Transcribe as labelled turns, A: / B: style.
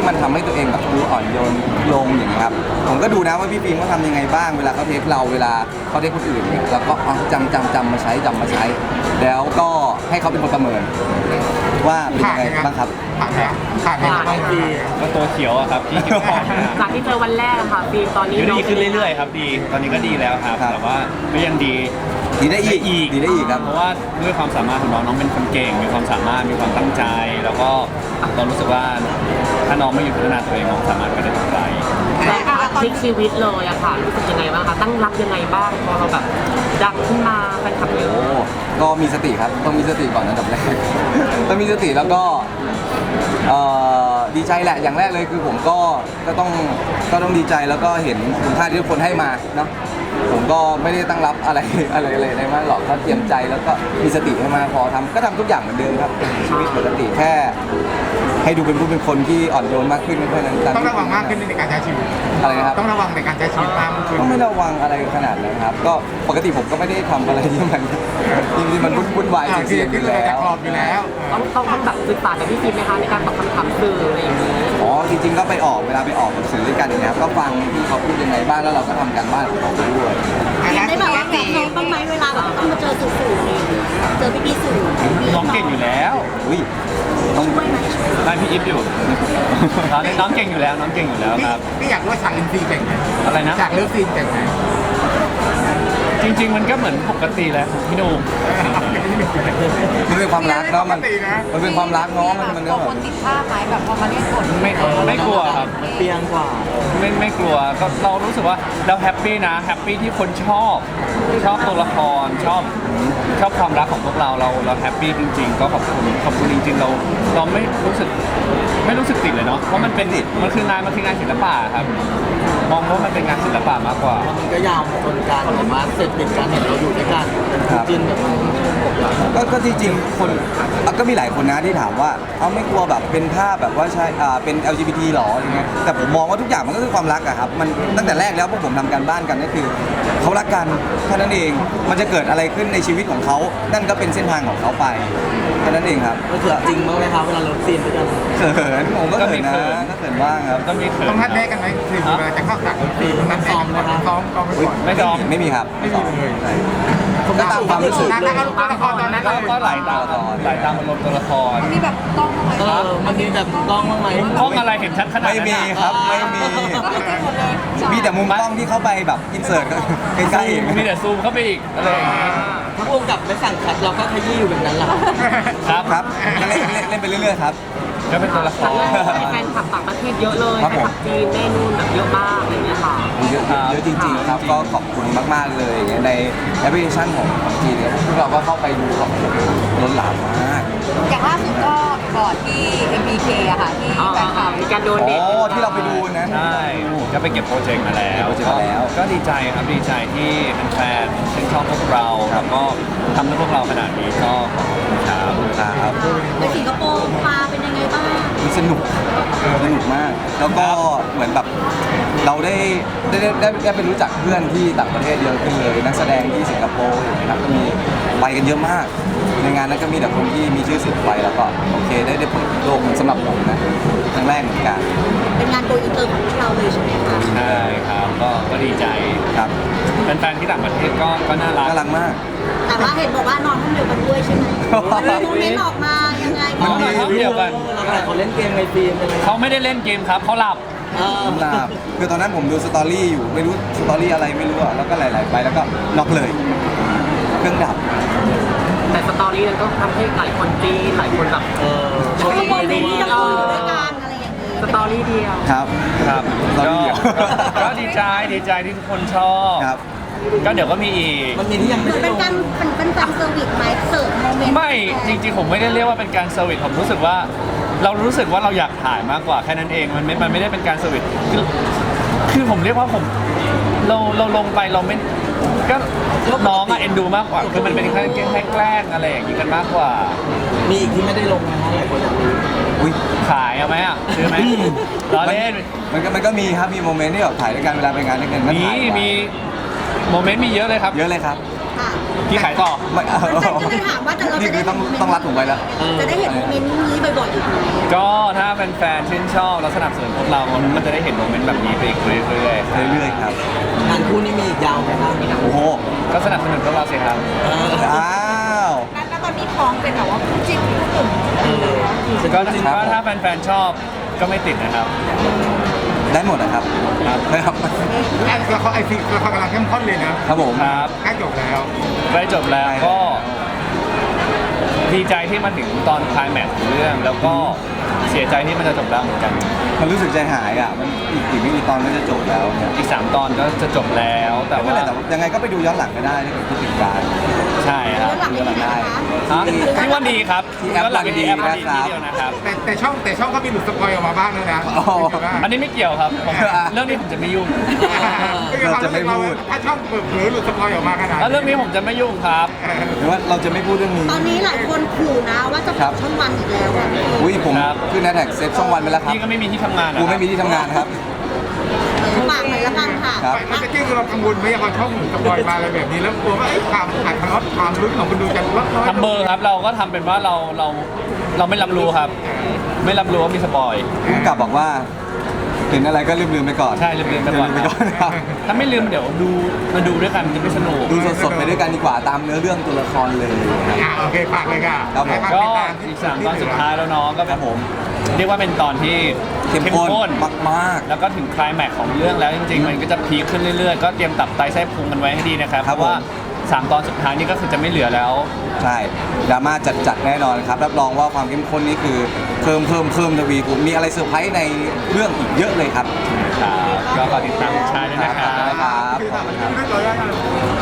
A: ที่มันทำให้ตัวเองแบบดูอ่อนโยนลงอย่างเงี้ยครับผมก็ดูนะว่าพี่ฟิล์มเขาทำยังไงบ้างเวลาเขาเทคเราเวลาเขาเทคคนอื่นเนี่ยแล้วก็จำมาใช้แล้วก็ให้เขาเป็นคนประเมินว่าเป็นยังไงบ้างครับ
B: ผ่านไหมบางที
C: ก็ตัวเขียวอะครับที่เก็บของนะ
D: จากที่เจอวันแรกอะค่ะฟิล์มตอนนี้
C: ดีขึ้นเรื่อยๆครับดีตอนนี้ก็ดีแล้วครับแต่ว่าก็ยังดี
A: ดีได้อีกครับ
C: เพราะว่าด้วยความสามารถของน้องเป็นคนเก่งมีความสามารถมีความตั้งใจ แล้วก็เรารู้สึกว่าถ้าน้องไม่หยุดพัฒนาตัวเองน้องสามารถไปได้ถึงไกล
D: แต่พลิกชีวิตเลยอะค่ะรู้สึกยังไงบ้างคะตั้งรับยังไงบ้างพอเราแบบดังขึ้นมาแฟนคลับเย
A: โอ้
D: อะ
A: ก็มีสติครับต้องมีสติก่อนอันดับแรก ต้องมีสติแล้วก็ดีใจแหละอย่างแรกเลยคือผมก็ต้องดีใจแล้วก็เห็นคุณค่าที่ทุกคนให้มาเนาะผมก็ไม่ได้ตั้งรับอะไรเลยมากหรอกก็เตรียมใจแล้วก็มีสติให้มากพอก็ทำทุกอย่างเหมือนเดิมครับชีวิตปกติแค่ให้ดูเป็นคนที่อ่อนโยนมากขึ้นแค่นั้น
B: ต้องระวังมากขึ้นในการใช้ชีวิต
A: อะไรนะครับ
B: ต้องระวังในการใช้ชีวิตมากขึ้น
A: ก็ไม่ระวังอะไรขนาดนั้นครับก็ปกติผมก็ไม่ได้ทำอะไรที่มันวุ่นวายเสี่ยงๆอยู่แล้ว
B: อยู่แล้ว
D: ต้องแบบศึกษาจากพี่ฟิล์มไหมคะในการตอบคำถามสื่ออะไรอย่างนี้
A: อ๋อจริงๆก็ไปเวลาไปออกหนังสือด้วยกันอย่างเงี้ยครับก็ฟังที่เขาพูดยังไงบ้างแล้วเราก็ทำการบ้านของเราไปด้วย
E: ได้แบบว่าแบบน้องบ้างไหมเวลาแบบต้องมาเจอสื่อเจอพี่สื่อ
C: น้องเก่งอยู่แล้ว
A: อุ้ยต้อง
E: ช่วยไหม
C: ได้พี่อิฟอยู่ตอนนี้น้องเก่งอยู่แล้วน้องเก่งอยู่แล้วครับ
B: พี่อยากรู้ว่าฉากอินซีแต่งไง
C: อะไรนะ
B: ฉากเลิฟซีนแต่งไง
C: จริง ๆ มันก็เหมือนปกติแหละพี่หนุ่ม
A: มันเป็นความรักเนาะมันเป็นความรักเนาะมันก็
E: ค
A: แบบ
E: นติดภาพไหมแบบพอมาเล่นบท
C: ไม่กลัวครับ
F: เปียงกว่า
C: ไม่กลัวก็เรารู้สึกว่าเราแฮปปี้นะแฮปปี้ที่คนชอบตัวละครชอบความรักของพวกเราแฮปปี้จริง ๆ ก็ขอบคุณจริง ๆ เราไม่รู้สึกติดเลยเนาะเพราะมันคืองานศิลปะครับมองว่ามันเป็นงานศิลปะมากกว่า
F: มันก็ยาวจนการเห็นมาเสร็จติดกันเห็นเราอยู่ด้วยกันจินแบบมัน
A: ก็จริงๆคนก็มีหลายคนนะที่ถามว่าเอาไม่กลัวแบบเป็นภาพแบบว่าใช่เป็น LGBT หรออย่างเงี้ยแต่ผมมองว่าทุกอย่างมันก็คือความรักอะครับมันตั้งแต่แรกแล้วพวกผมทำการบ้านกันก็คือเขารักกันแค่นั้นเองมันจะเกิดอะไรขึ้นในชีวิตของเขานั่นก็เป็นเส้นทางของเขาไปแค่นั้นเองครับ
F: ก็คือจริงมั้งไหมครับเวลาเราซีนด้วยกัน
A: เขินผมก็เขินนะก็เขินบ้างครับ
C: ก็มีเขิน
B: ต้องนัดแนะกันไหมคือเวลาจะเข้าฉากเลิฟซีนต้องนัดแนะกันก่อนซ้อมไปก่อน
C: ไม่ซ้อม
A: ไม่มีครับ
B: ไม่มีเลย
A: ใช่ก็ตามความรู้สึก
B: นัดกันตัวละครตอนนั้น
C: ก็ไหลตามอารมณ์ตัวละคร
E: มีแบบต้องไหม
F: มันมีแบบกล้องบ้างไหม
C: กล้องอะไรเห็นชัดขนาด
A: ไม่
C: นั้น
A: มี
C: อะ
A: ครับไม่มี
E: ก็คือจริงหมดเลย
A: มีแต่มุมกล้องที่เข้าไปแบบอินเสิร์ตใกล้ๆ
C: มีแต่ซูมเข้าไปอีกอะไรอย่างงี้
F: ถ้าพ่วงกับไม่สั่งคัดเราก็ขยี้อยู่แบบนั้นแหละ
C: ครับ
A: ครับเล่นไปเรื่อยๆครับ
C: ก็เป็นตัวละค
D: แต่
C: ร
D: ว่ามีแฟนคลับต่างประเทศเยอะเลย
A: ครับ
D: แฟน
A: ผม
D: คลับจีนแม่นู่นแบบเยอะมากอะไรอย่างเงี้ยค่ะ
A: เยอะจริงๆครับก็ขอบคุณมากๆเลยในแอปพลิเคชันของจีนเนี่ยพวกเราก็เข้าไปดูแบบล้นหลามมาก
E: อย่างล่าสุดก็ก่อนที่ MBK อะค่ะที่แฟนคลับ
D: มีการโดน
A: อ๋
D: เด็ก
A: อที่เราไปดูนั้น
C: ใช่ก็ไปเก็บโปรเจกต์มาแล้ว
A: เก็บโปรเจกต์มาแล้ว
C: ก็ดีใจครับดีใจที่แฟนๆชื่นชอบพวกเราแล้วก็ทำให้พวกเราขนาดนี้ก็ขอบคุณครับ
A: ครับ
E: ไปสิงคโปร์มาเป็นยังไงบ้าง
A: สนุกมาก แล้วก็เหมือนแบบเราได้ไปรู้จักเพื่อนที่ต่างประเทศเยอะขึ้นเลยนักแสดงที่สิงคโปร์นะครับก็มีไปกันเยอะมาก ในงานนั้นก็มีแต่คนที่มีชื่อเสียงไปแล้วก็โอเคได้เปิดโลกสำหรับผมนะครั้งแรกเหมือนกัน
E: เป็นงานโกอินเตอร์ของพวกเราเลยใช่ไหมคะ
C: ใช่ครับก็ดีใจ
A: ครับ
C: แฟนๆที่ต่างประเทศก็น่ารัก
A: น่ารักมาก
E: แต่ว่าเห็นบอกว่านอนห้องเดียวกันด้วยใช่ไหมโมเมนต์ออกมายังไง
C: มันมีห้องเดียวกัน
F: เขาเล่นเกมในฟิล์มเป็นไง
C: เขาไม่ได้เล่นเกมครับเขาหลับ
A: หลับคือตอนนั้นผมดูสตอรี่อยู่ไม่รู้สตอรี่อะไรไม่รู้อะแล้วก็ไหลๆไปแล้วก็น็อกเลย เครื่องดับ
D: แต่สตอรี่นั้นก็ทำให้หลายคนจีนหลายคนแบบ
E: เขาก็โมเมนต์ที่เราอยู่ด้วยกันอะไรอย่างนี้
D: สตอรี่เดียว
A: ครับ
C: ครับ
A: สตอรี่เดียว
C: ก็ดีใจที่ทุกคนชอบ
A: ครับ
C: ก็เดี๋ยวก็มีอีก
F: มันมีที่ยังไม่ได้
E: เป็น
F: ลง
E: การเป็นการเซอร์วิสไหมเสิร์ฟโมเมนต์
C: ไม่จริงๆผมไม่ได้เรียกว่าเป็นการเซอร์วิสผมรู้สึกว่าเราอยากถ่ายมากกว่าแค่นั้นเองมันไม่ได้เป็นการเซอร์วิสคือผมเรียกว่าเราลงไปเราไม่ก็น้องอะเอ็นดูมากกว่าคือมันเป็นแค่แกล้งอะไรอย่างนี้กันมากกว่า
F: มีอีกที่ไม่ได้ลงนะหลายคนอยากรู้
A: อุ้ย
C: ขายเอาไหมอ่ะซื้อไหมล้อเล่น
A: มันก็มีครับมีโมเมนต์ที่แบบถ่ายด้วยกันเวลาไปงานด้วยกันก็ถ่ายไว้
C: มีโมเมนต์มีเยอะเลยครับ
A: เยอะเลยครับ
E: ถค่ะ
C: ที่ขายต่อ
A: ไม่
E: แฟนๆก็เลยถามว่าเรา
A: นี่
E: จะ
A: คื
E: ได้
A: อต้องรัดถุงไปแล้ว
E: จะได้เห็นโมเมนต์นี้บ่อยๆอีกไหม
C: ก็ถ้าเป็นแฟนชื่นชอบและสนับสนุนพวกเราก็จะได้เห็นโมเมนต์แบบนี้ไปอีกเรื่อยๆ
A: เรื่อยๆครับ
F: งานคู่นี้มีอีกยาวไหมครับ
A: โอ้โห
C: ก็สนับสนุนพวกเราสิครับ
A: อ้าว
E: แล้วตอนนี้ท้องเป็นแบบว่าคู่จิ้นคู่หนุ่ม
C: ก็ถ้าแฟนๆชอบก็ไม่ติดนะครับ
A: ได้หมดนะครับ
C: ครับ
A: นะครับ
B: แล้วเขาไอซีละครกำลังเข้มข้นเลยนะครับ
A: ผม
C: ครับ
B: ใกล้จบแล้ว
C: ใกล้จบแล้วก็ดีใจที่มาถึงตอนไคลแม็กซ์ของเรื่อง แล้วก็เสียใจที่มันจะจบแล้วเหมือนกัน
A: มันรู้สึกใจหายอ่ะมันอีกไม่กี่ตอนก็จะจบแล้วเนี่ย
C: อีก 3 ตอนก็จะจบแล้วแต่
A: ไม่เป็น
C: ว่า
A: ไรแต่ยังไงก็ไปดูย้อนหลังก็ได้ถ้าเกิดคิดถึงการ
C: ใช่ครับ
E: แล้วหลัง
A: ย้อนหลังได้
C: ฮะพี่ว่าดีครับ
A: ที่แอป
C: หลังดีแอป
A: วัน
C: ดี
A: ดี
C: ที่
A: นะครับ
C: เดียวนะครับ
B: แต่ช่องก็มีหลุดสปอยออกมาบ้างแล้วนะ
A: อ๋อ
C: อันนี้ไม่เกี่ยวครับผมเรื่องนี้ผมจะไม่ยุ่ง
A: เราจะไม่พูด
B: ถ้าช่องเปิดเผยหลุดสปอยออกมาขนาด
C: แล้วเรื่องนี้ผมจะไม่ยุ่งครับ
A: หรือว่าเราจะไม่พูดเรื่องนี้
E: ตอนนี้หลายคนขู่นะว่าจะ
A: ครับ
E: ช่องวันอีกแล้วอ่ะ
A: อุ้ยผม
C: ครับ
A: ขึ้นแฮชแท็กเซฟช่องวันไปแล้วครับ
C: พี่ก็ไม่มีที่ทำงานนะ
A: กูไม่มีที่ทำงานครับ
E: ฝากหน่อยละกันค่ะ
A: ครับ
B: มันจะเกี่ยวกับเรากังวลไหมพอช่องหลุดสปอยมาอะไรแบบนี้แล้วกลัวว่าความอัดทอดความลุ้นของคนดูจะลดน้อย
C: ทำเบอร์ครับเราก็ทำเป็นว่าเราไม่รับรู้ครับ ไม่รับรู้ว่ามีสปอย
A: ผู้กำกับบอกว่าเห็นอะไรก็ลืมๆไปก่อน
C: ใช่ลืมๆไปก่อน
A: ลืมๆไปก่อนครับ
C: ถ้าไม่ลืมเดี๋ยวมาดูด้วยกันมันจะไม่สนุก
A: ดูสดๆไปด้วยกันดีกว่าตามเนื้อเรื่องตัวละครเลยครับ
B: โอเคฝากเลยค่ะ
A: ครับผม
C: ก็อีก3 ตอนสุดท้ายแล้วเน้องก็
A: ครับผม
C: เรียกว่าเป็นตอนที่
A: เข้มข้นมาก
C: แล้วก็ถึงไคลแม็กซ์ของเรื่องแล้วจริงๆ มันก็จะพีคขึ้นเรื่อยๆ ก็เตรียมตับไตไส้พุงกันไว้ให้ดีนะครับ
A: ค
C: เพ
A: รับ
C: ราะว่า
A: ผม
C: 3 ตอนสุดท้ายนี่ก็คือจะไม่เหลือแล้ว
A: ๆใช่ดราม่าจัดๆแน่นอนครับรับรองว่าความเข้มข้นนี่คือเพิ่มทวีคูณมีอะไรเซอร์ไพรส์ในเรื่องอีกเยอะเลยครับ
C: ครับก็ฝากติดตามชายด้วยนะครับ
A: ครับขอบคุณครับ
B: เรียบร้อยแล้ว